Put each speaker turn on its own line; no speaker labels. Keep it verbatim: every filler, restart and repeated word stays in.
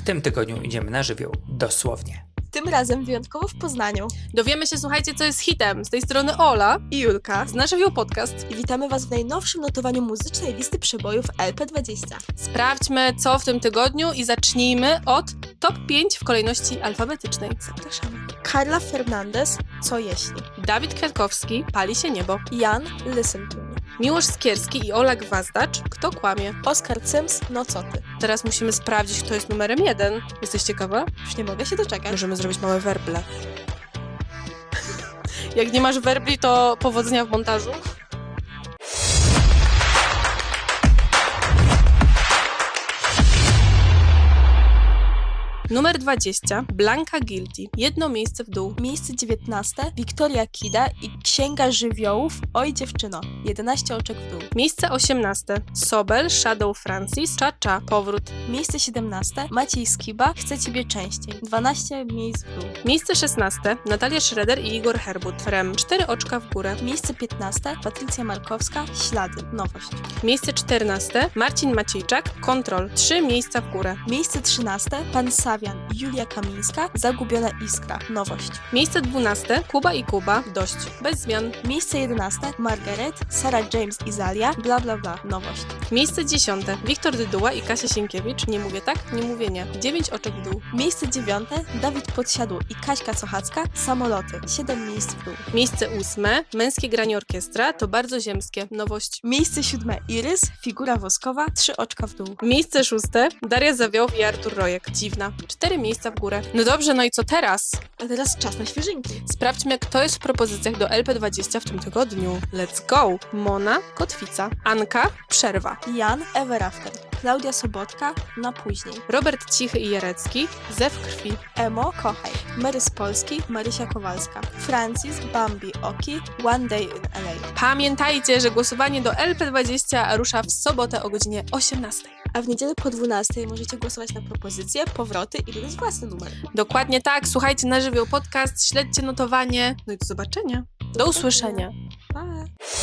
tym tygodniu idziemy na żywioł dosłownie.
Tym razem wyjątkowo w Poznaniu.
Dowiemy się, słuchajcie, co jest hitem. Z tej strony Ola
I Julka.
z Na Żywioł Podcast.
I witamy Was w najnowszym notowaniu muzycznej listy przebojów L P dwadzieścia.
Sprawdźmy, co w tym tygodniu i zacznijmy od top pięć w kolejności alfabetycznej.
Zapraszamy. Carla Fernandez, Co jeśli?
Dawid Kwiatkowski, Pali się niebo.
Jan, Listen to me.
Miłosz Skierski i Ola Gwazdacz, Kto kłamie?
Oskar Cyms, No co ty?
Teraz musimy sprawdzić, kto jest numerem jeden. Jesteś ciekawa?
Już nie mogę się doczekać.
Możemy zrobić małe werble. Jak nie masz werbli, to powodzenia w montażu. Numer dwadzieścia. Blanka Guilty. Jedno miejsce w dół.
Miejsce dziewiętnaste. Wiktoria Kida i Księga Żywiołów Oj dziewczyno. jedenaście oczek w dół.
Miejsce osiemnaste. Sobel, Shadow Francis, Cha-Cha, Powrót.
Miejsce siedemnaste. Maciej Skiba, Chcę ciebie częściej. dwanaście miejsc w dół.
Miejsce szesnaste. Natalia Schroeder i Igor Herbut. Rem. Cztery oczka w górę.
Miejsce piętnaste. Patrycja Markowska, Ślady. Nowość.
Miejsce czternaste. Marcin Maciejczak, Kontrol. Trzy miejsca w górę.
Miejsce trzynaste. Pan Sawian i Julia Kamińska, Zagubiona iskra. Nowość.
Miejsce dwunaste. Kuba i Kuba. Dość. Bez zmian.
Miejsce jedenaste. Margaret, Sarah James i Zalia, bla bla bla. Nowość.
Miejsce dziesiąte. Wiktor Dyduła i Kasia Sienkiewicz. Nie mówię tak? Nie mówię nie. Dziewięć oczek w dół.
Miejsce dziewiąte. Dawid Podsiadło i Kaśka Sochacka, Samoloty. Siedem miejsc w dół.
Miejsce ósme. Męskie granie orkiestra. To bardzo ziemskie. Nowość.
Miejsce siódme. Irys, Figura woskowa, Trzy oczka w dół.
Miejsce szóste. Daria Zawioł i Artur Rojek. Dziwna. Cztery miejsca w górę. No dobrze, no i co teraz?
A teraz czas na świeżynki.
Sprawdźmy, kto jest w propozycjach do L P dwadzieścia w tym tygodniu. Let's go! Mona, Kotwica. Anka, Przerwa.
Jan, Ever After. Klaudia Sobotka, Na później.
Robert Cichy i Jarecki, Zew krwi.
Emo, Kochaj. Mary z Polski, Marysia Kowalska. Francis, Bambi, Oki, One Day in L A.
Pamiętajcie, że głosowanie do L P dwadzieścia rusza w sobotę o godzinie osiemnastej.
A w niedzielę po dwunastej możecie głosować na propozycje, powroty i wybrać własny numer.
Dokładnie tak, słuchajcie Na Żywioł Podcast, śledźcie notowanie. No i do zobaczenia. Do usłyszenia.
Pa!